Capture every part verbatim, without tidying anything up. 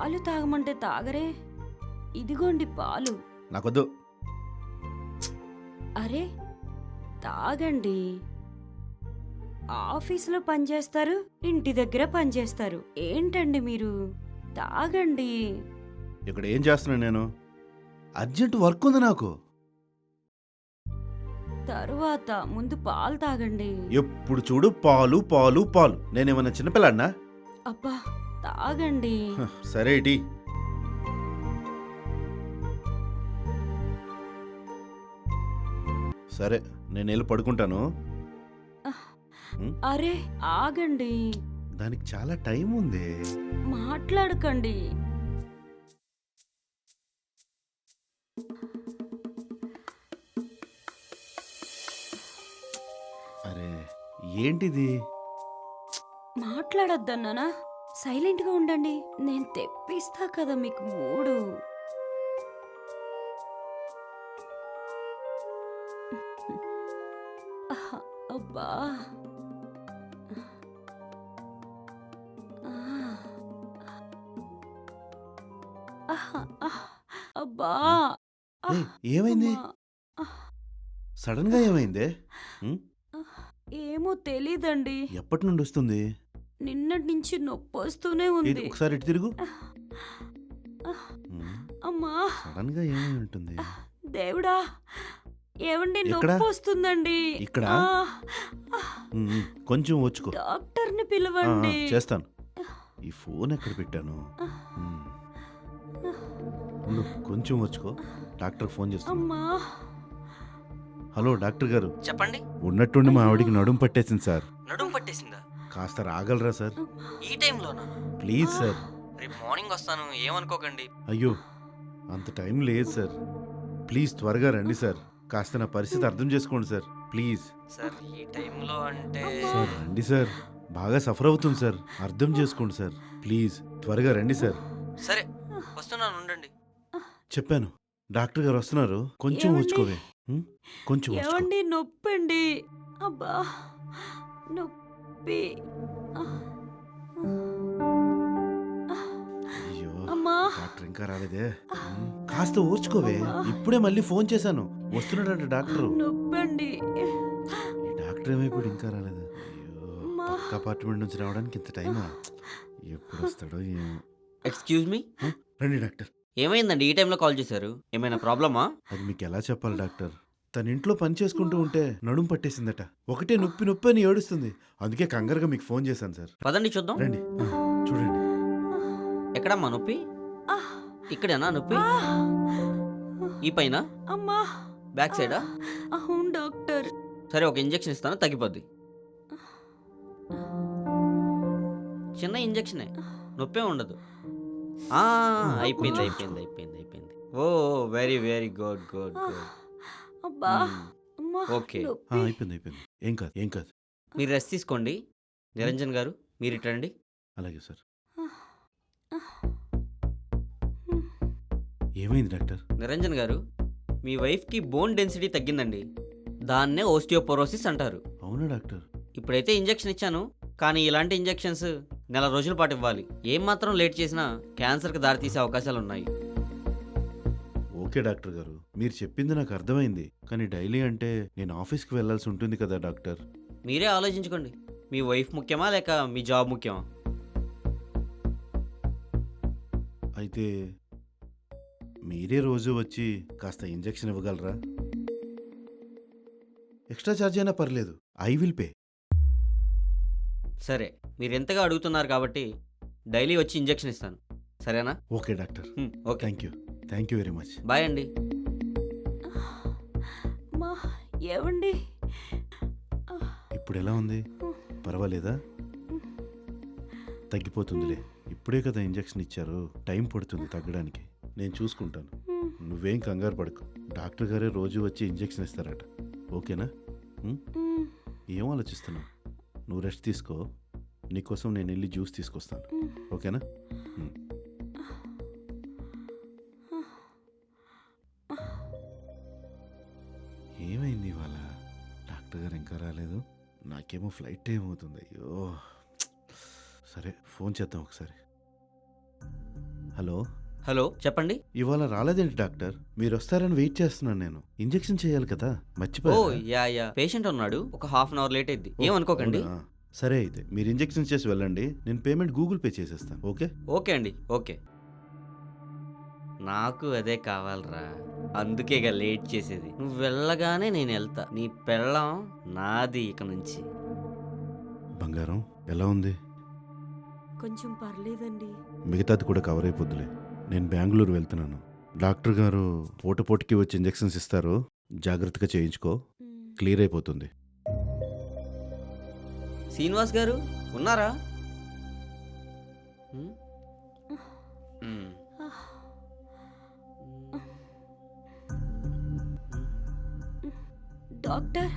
పాలు తాగమంటే తాగరే. ఇదిగోండి పాలు. నాకొద్దు. అరే తాగండి. ఆఫీసులో పనిచేస్తారు, ఇంటి దగ్గర పనిచేస్తారు. ఏంటండి మీరు? తాగండి. ఇక్కడ ఏం చేస్తున్నాను నేను? అర్జెంట్ వర్క్ ఉంది నాకు. తరువాత ముందు పాలు తాగండి. ఎప్పుడు చూడు పాలు పాలు పాలు. నేనేమన్నా చిన్నపిల్లాడినా? అబ్బా తాగండి. హ, సరే ఇటీ. సరే నేను వెళ్ళి పడుకుంటాను. అరే ఆగండి. దానికి చాలా టైం ఉంది. మాట్లాడకండి. అరే ఏంటిది? మాట్లాడొద్దన్నానా? సైలెంట్ గా ఉండండి. నేను తెప్పిస్తా కదా మీకు మూడు. ఆహ్, అబ్బా ఆహ్, ఆహ్, ఆహ్, అబ్బా ఏయ్, ఆహ్, ఏమైంది? అమ్మా. ఆహ్, సడన్ గా ఏమైంది? ఉం? ఆహ్, ఏమో తెలీదండి. ఎప్పటి నుండి వస్తుంది? నిన్నటి నుంచి నొప్పి వస్తూనే ఇది ఉంది. ఒకసారి ఇటు తిరుగు. ఆహ్, ఆహ్, ఉం? అమ్మా సడన్ గా ఏమై ఉంటుంది? దేవుడా, ఏవండి ఎక్కడ? నొప్పి వస్తుందండి. ఇక్కడ? ఆహ్, ఆహ్, ఉం, ఉం. కొంచెం వచ్చుకో. డాక్టర్ని ఆ, ఆ, పిలవండి. చేస్తాను. ఈ ఫోన్ ఎక్కడ పెట్టాను? ఉం. ఉండు, కొంచెం వచ్చుకో. డాక్టర్ ఫోన్ చేస్తాను. అమ్మా హలో డాక్టర్ గారు. చెప్పండి. ఉన్నట్టుండి మా ఆవిడికి నడుము పట్టేసింది సార్. నడుము పట్టేసిందా? కాస్త రాగలరా సార్? ఈ టైంలోనా? Please sir. రేపు మార్నింగ్ వస్తాను, ఏమనుకోకండి. అయ్యో అంత టైం లేదు సార్. ప్లీజ్ త్వరగా రండి సార్. కాస్త నా పరిస్థితి అర్థం చేసుకోండి సార్. ప్లీజ్ సార్ ఈ టైంలో అంటే సార్ రండి సార్. బాగా సఫర్ అవుతుంది సార్. అర్థం చేసుకోండి సార్. ప్లీజ్ త్వరగా రండి సార్. సరే వస్తున్నాను, ఉండండి. చెప్పాను డాక్టర్ గారు వస్తున్నారు. కొంచెం ఏమండి? వచ్చుకోవే. ఉం? కొంచెం వచ్చుకో. ఏవండి నొప్పండి. అబ్బా నొప్పి. ఆహ్, ఆహ్, అయ్యో అమ్మా డాక్టర్ ఇంకా రాలేదే. ఉం. కాస్త ఓర్చుకోవే. ఇప్పుడే మళ్ళీ ఫోన్ చేశాను. వస్తున్నాడంట డాక్టర్. నొప్పండి. ఈ డాక్టర్ ఏమైపోయాడు ఇంకా రాలేదు. అయ్యో అమ్మా. పక్క అపార్ట్మెంట్ నుంచి రావడానికి ఇంత టైమా? ఎప్పుడు వస్తాడో ఏమో. ఎక్స్క్యూజ్ మీ, ఉం? రండి డాక్టర్. ఏమైందండి ఈ టైంలో కాల్ చేశారు? ఏమైనా ప్రాబ్లమా? అది మీకు ఎలా చెప్పాలి డాక్టర్? తన ఇంట్లో పని చేసుకుంటూ ఉంటే నడుము పట్టేసిందట. ఒకటే నొప్పి నొప్పి అని ఏడుస్తుంది. అందుకే కంగారుగా మీకు ఫోన్ చేశాను సార్. పదండి చూద్దాం. రండి ఆ, చూడండి. ఎక్కడమ్మా నొప్పి? ఆహ్, ఇక్కడేనా నొప్పి? ఆహ్, ఈ పైన? అమ్మా బ్యాక్ సైడా? అవును డాక్టర్. సరే ఒక ఇంజెక్షన్ ఇస్తాను, తగ్గిపోద్ది. చిన్న ఇంజెక్షనే, నొప్పే ఉండదు. ఆ, అయిపోయింది అయిపోయింది అయిపోయింది అయిపోయింది. Oh very very good good good. అబ్బా అమ్మా ఓకే. ఆ, నొప్పి. అయిపోయింది అయిపోయింది. ఏం కాదు ఏం కాదు. మీరు రెస్ట్ తీసుకోండి. నిరంజన్ గారు మీరు ఇటు రండి. అలాగే సార్. ఏమైంది డాక్టర్? నిరంజన్ గారు, మీ వైఫ్కి బోన్ డెన్సిటీ తగ్గిందండి. దాన్నే ఓస్టియోపోరోసిస్ అంటారు. అవునా డాక్టర్? ఇప్పుడైతే ఇంజెక్షన్ ఇచ్చాను, కానీ ఇలాంటి ఇంజెక్షన్స్ నెల రోజుల పాటు ఇవ్వాలి. ఏం మాత్రం లేట్ చేసినా క్యాన్సర్కి దారితీసే అవకాశాలు ఉన్నాయి. ఓకే డాక్టర్ గారు, మీరు చెప్పింది నాకు అర్థమైంది. కానీ డైలీ అంటే నేను ఆఫీస్కి వెళ్ళాల్సి ఉంటుంది కదా డాక్టర్. మీరే ఆలోచించుకోండి. మీ వైఫ్ ముఖ్యమా లేక మీ జాబ్ ముఖ్యమా? అయితే మీరే రోజు వచ్చి కాస్త ఇంజెక్షన్ ఇవ్వగలరా? ఎక్స్ట్రా ఛార్జ్ అయినా పర్లేదు. I will pay. సరే, మీరు ఎంతగా అడుగుతున్నారు కాబట్టి డైలీ వచ్చి ఇంజెక్షన్ ఇస్తాను, సరేనా? Okay doctor. Hmm, okay. Thank you thank you very much. Bye అండి. అమ్మా ఏవండి? ఇప్పుడు ఎలా ఉంది? పర్వాలేదా? తగ్గిపోతుందిలే. ఇప్పుడే కదా ఇంజెక్షన్ ఇచ్చారు. టైం పడుతుంది తగ్గడానికి. నేను చూసుకుంటాను. నువ్వేం కంగారు పడకు. డాక్టర్ గారే రోజు వచ్చి ఇంజెక్షన్ ఇస్తారట. ఓకేనా? ఉం? ఏం ఆలోచిస్తున్నావు? నువ్వు రెస్ట్ తీసుకో. నీకోసం నేను వెళ్ళి జ్యూస్ తీసుకొస్తాను. ఓకేనా? ఉం. ఏమైంది ఇవాళ? డాక్టర్ గారు ఇంకా రాలేదు. నాకేమో ఫ్లైట్ టైం అవుతుంది. అయ్యో, సరే ఫోన్ చేద్దాం ఒకసారి. హలో హలో చెప్పండి. ఇవాళ రాలేదేంటి డాక్టర్? మీరు వస్తారని వెయిట్ చేస్తున్నాను నేను. ఇంజెక్షన్ చేయాలి కదా, ఓ మర్చిపోయా. యా యా పేషెంట్ ఉన్నాడు, ఒక హాఫ్ అన్ అవర్ లేట్ అయింది, ఏమనుకోకండి. సరే అయితే మీరు ఇంజెక్షన్ చేసి వెళ్ళండి, నేను పేమెంట్ గూగుల్ పే చేసేస్తాను. ఓకే ఓకే అండి, ఓకే. నాకు అదే కావాలరా, అందుకేగా లేట్ చేసేది. నువ్వు వెళ్ళగానే నేను వెళ్తా, నీ పెళ్ళం నాది ఇక నుంచి. బంగారం ఎలా ఉంది? కొంచెం పర్లేదండి. మిగతాది కూడా కవర్ అయిపోద్దులే. నేను బెంగళూరు వెళ్తున్నాను. డాక్టర్ గారు పూట పూటకి వచ్చి ఇంజెక్షన్స్ ఇస్తారు, జాగ్రత్తగా చేయించుకో, మ్మ్. క్లియర్ అయిపోతుంది. శ్రీనివాస్ గారు ఉన్నారా? ఉమ్, ఉమ్. డాక్టర్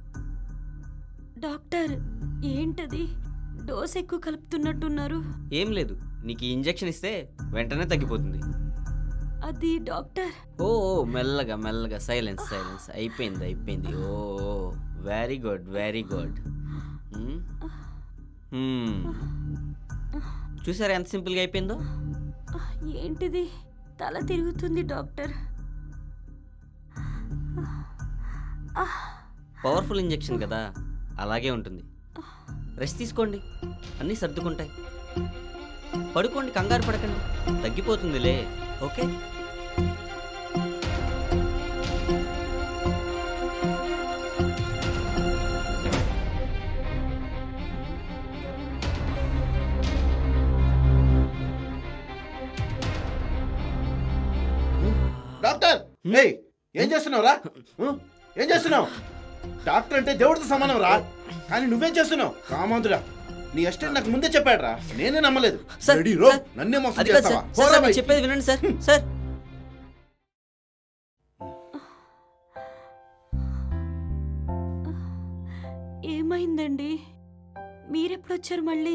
డాక్టర్ ఏంటది? డోస్ ఎక్కువ కలుపుతున్నట్టున్నారు. ఏం లేదు, నీకు ఈ ఇంజెక్షన్ ఇస్తే వెంటనే తగ్గిపోతుంది. అది డాక్టర్. ఓ ఓ, మెల్లగా మెల్లగా, సైలెన్స్ సైలెన్స్. అయిపోయింది అయిపోయింది. Oh very good very good. చూసారా ఎంత సింపుల్గా అయిపోయిందో? ఏంటిది? తల తిరుగుతుంది డాక్టర్. పవర్ఫుల్ ఇంజెక్షన్ కదా, అలాగే ఉంటుంది. రెస్ట్ తీసుకోండి, అన్నీ సర్దుకుంటాయి. పడుకోండి, కంగారు పడకండి, తగ్గిపోతుందిలే. ఓకే. డాక్టర్ ఏయ్, ఏం చేస్తున్నావురా? ఉం? ఏం చేస్తున్నావు? డాక్టర్ అంటే దేవుడితో సమానం రా, కానీ నువ్వేం చేస్తున్నావు? కామాంధుడా, నీ అసిస్టెంట్ నాకు ముందే చెప్పాడు రా, నేనే నమ్మలేదు. సార్, రెడీ రో, సార్, నన్నే మోసం అది కాదు చేస్తావా? సార్, పోరా సార్, నేను బయటికి. చెప్పేది వినండి సార్. సార్ ఏమైందండి? మీరెప్పుడొచ్చారు మళ్ళీ?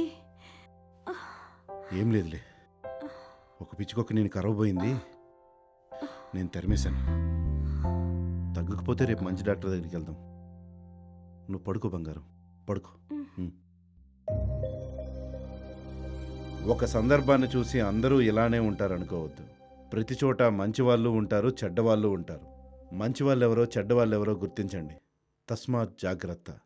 ఏం లేదులే, ఒక పిచ్చుకొక్క నేను కరవబోయింది, నేను తెరమేశాను. తగ్గకపోతే రేపు మంచి డాక్టర్ దగ్గరికి వెళ్దాం. నువ్వు పడుకో బంగారం, పడుకో. ఉం. ఒక సందర్భాన్ని చూసి అందరూ ఇలానే ఉంటారనుకోవద్దు. ప్రతి చోట మంచి వాళ్ళు ఉంటారు, చెడ్డవాళ్ళు ఉంటారు. మంచి వాళ్ళు ఎవరో చెడ్డవాళ్ళు ఎవరో గుర్తించండి. తస్మాత్ జాగ్రత్త.